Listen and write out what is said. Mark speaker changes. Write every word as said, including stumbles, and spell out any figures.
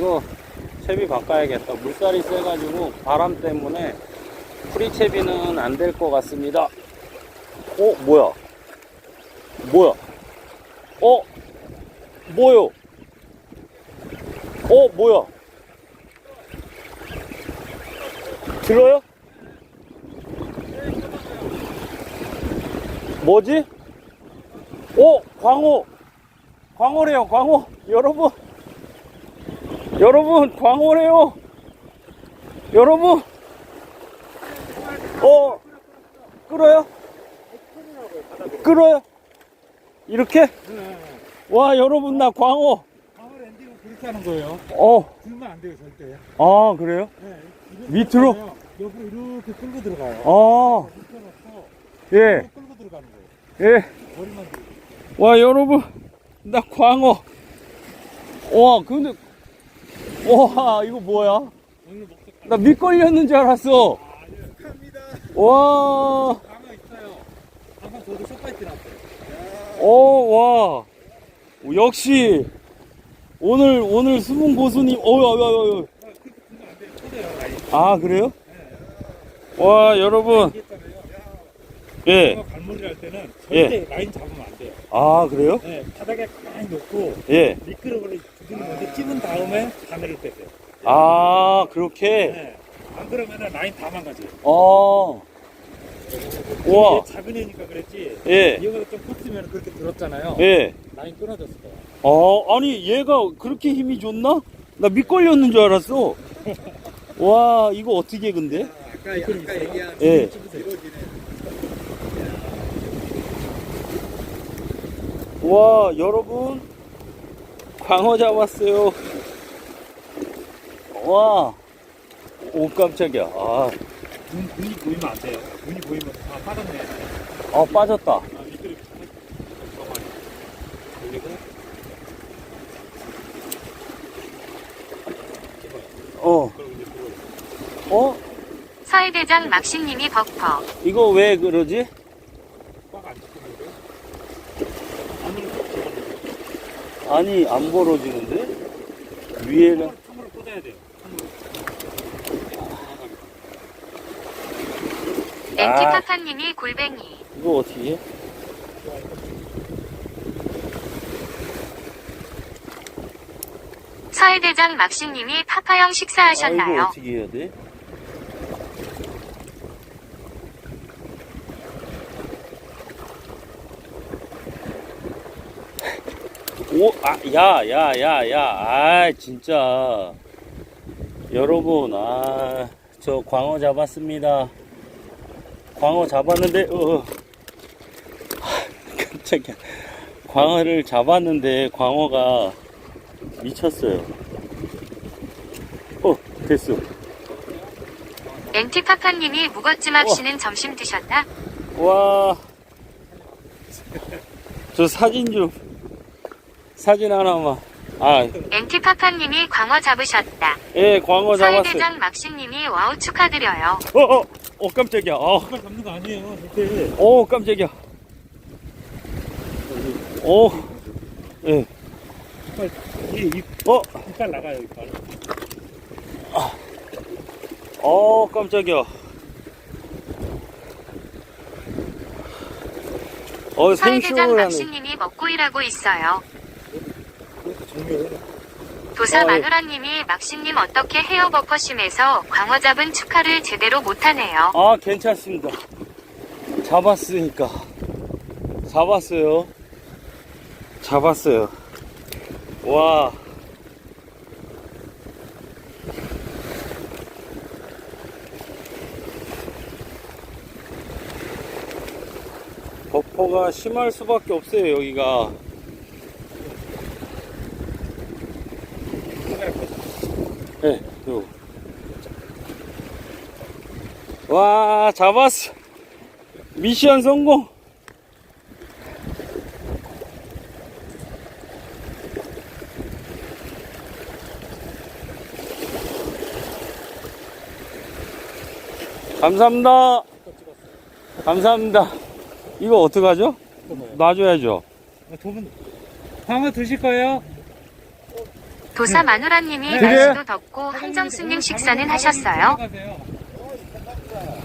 Speaker 1: 이거 채비 바꿔야겠다. 물살이 세가지고 바람 때문에 프리채비는 안 될 것 같습니다. 어? 뭐야? 뭐야? 어? 뭐요? 어? 뭐야? 들어요? 뭐지? 어? 광어! 광어래요, 광어! 여러분! 여러분, 광어래요! 여러분! 어? 끌어요? 끌어요? 이렇게? 와, 여러분, 나 광어!
Speaker 2: 광어 랜딩은 그렇게 하는 거예요.
Speaker 1: 어.
Speaker 2: 들면 안 돼요, 절대.
Speaker 1: 아, 그래요?
Speaker 2: 네,
Speaker 1: 밑으로?
Speaker 2: 옆으로 이렇게 끌고 들어가요.
Speaker 1: 아.
Speaker 2: 밑에 놓고
Speaker 1: 예.
Speaker 2: 끌고 들어가는 거예요.
Speaker 1: 예.
Speaker 2: 머리만 들고.
Speaker 1: 와, 여러분, 나 광어. 와, 근데, 와, 이거 뭐야? 나 밑걸렸는 줄 알았어.
Speaker 2: 아, 예. 갑니다.
Speaker 1: 와,
Speaker 2: 광어 있어요. 광어 저도 솥바이트 났어요.
Speaker 1: 오, 와. 역시, 오늘, 오늘 수분 고수님, 어, 어, 어, 어.
Speaker 2: 아, 그렇게 들면 안 돼요. 터져요, 라인.
Speaker 1: 아, 그래요?
Speaker 2: 네.
Speaker 1: 와, 여러분.
Speaker 2: 얘기했잖아요.
Speaker 1: 예.
Speaker 2: 광어 갈무리 할 때는 절대 라인 잡으면 안 돼요.
Speaker 1: 아, 그래요?
Speaker 2: 네, 바닥에 가만히 놓고
Speaker 1: 예.
Speaker 2: 미끄러움을 두드는 건데 찝은 다음에 바늘을 빼세요.
Speaker 1: 아, 그렇게?
Speaker 2: 네. 안 그러면은 라인 다 망가져요.
Speaker 1: 아. 우와.
Speaker 2: 얘 작은 애니까 그랬지.
Speaker 1: 예.
Speaker 2: 이거보다 좀 컸으면 그렇게 들었잖아요.
Speaker 1: 예.
Speaker 2: 라인 끊어졌을 거야.
Speaker 1: 어, 아니, 얘가 그렇게 힘이 좋나? 나 밑걸렸는 줄 알았어. 와, 이거 어떻게 근데?
Speaker 2: 아까, 아까 얘기한
Speaker 1: 예. 와, 여러분. 광어 잡았어요. 와. 오, 깜짝이야. 아,
Speaker 2: 눈, 눈이 보이면 안 돼요. 눈이 보이면 아 빠졌네.
Speaker 1: 아 빠졌다.
Speaker 2: 아 미끄러. 그리고
Speaker 1: 어.
Speaker 2: 그리고 이제 들어오죠.
Speaker 1: 어?
Speaker 3: 서해대장 막신님이 버퍼.
Speaker 1: 이거 왜 그러지?
Speaker 2: 꽉안 잡히는데. 안으로 쭉 집어넣어요.
Speaker 1: 아니, 안 벌어지는데? 위에는.
Speaker 2: 참으로 꽂아야 돼요.
Speaker 3: 엔티파파님이 골뱅이.
Speaker 1: 이거 어떻게 해?
Speaker 3: 서해대장 막신님이 파파형
Speaker 1: 아, 이거
Speaker 3: 식사하셨나요?
Speaker 1: 어떻게 해야 돼? 오, 아, 야, 야, 야, 야, 아, 진짜. 여러분, 아, 저 광어 잡았습니다. 광어 잡았는데, 어, 깜짝이야. 광어를 잡았는데, 광어가 미쳤어요. 어, 됐어.
Speaker 3: 엔티파파님이 무거쯤 씨는 점심 드셨나?
Speaker 1: 와, 저 사진 좀, 사진 하나만. 아,
Speaker 3: 엔티파파님이 광어 잡으셨다.
Speaker 1: 예, 광어 잡았어요.
Speaker 3: 서해대장 막신님이 와우 축하드려요.
Speaker 1: 어, 어, 어, 깜짝이야. 어,
Speaker 2: 그걸 잡는 거 아니에요. 절대.
Speaker 1: 어, 깜짝이야. 어, 예,
Speaker 2: 이빨 이 입,
Speaker 1: 어,
Speaker 2: 이빨 나가요. 이빨.
Speaker 1: 어, 깜짝이야. 어,
Speaker 3: 서해대장
Speaker 1: 생쇼를 하네.
Speaker 3: 막신님이 먹고 일하고 있어요.
Speaker 2: 그것도 정리해.
Speaker 3: 도사
Speaker 1: 아, 예.
Speaker 3: 마누라님이 막신님 어떻게 헤어 버퍼심에서 광어 잡은 축하를 제대로 못하네요.
Speaker 1: 아, 괜찮습니다. 잡았으니까. 잡았어요. 잡았어요. 와. 버퍼가 심할 수밖에 없어요, 여기가. 네, 요. 와, 잡았어. 미션 성공. 감사합니다. 감사합니다. 이거 어떡하죠? 놔줘야죠.
Speaker 2: 두 분 광어 드실 거예요?
Speaker 3: 도사 마누라님이
Speaker 1: 그래?
Speaker 3: 날씨도 덥고 한정수님 식사는 하셨어요?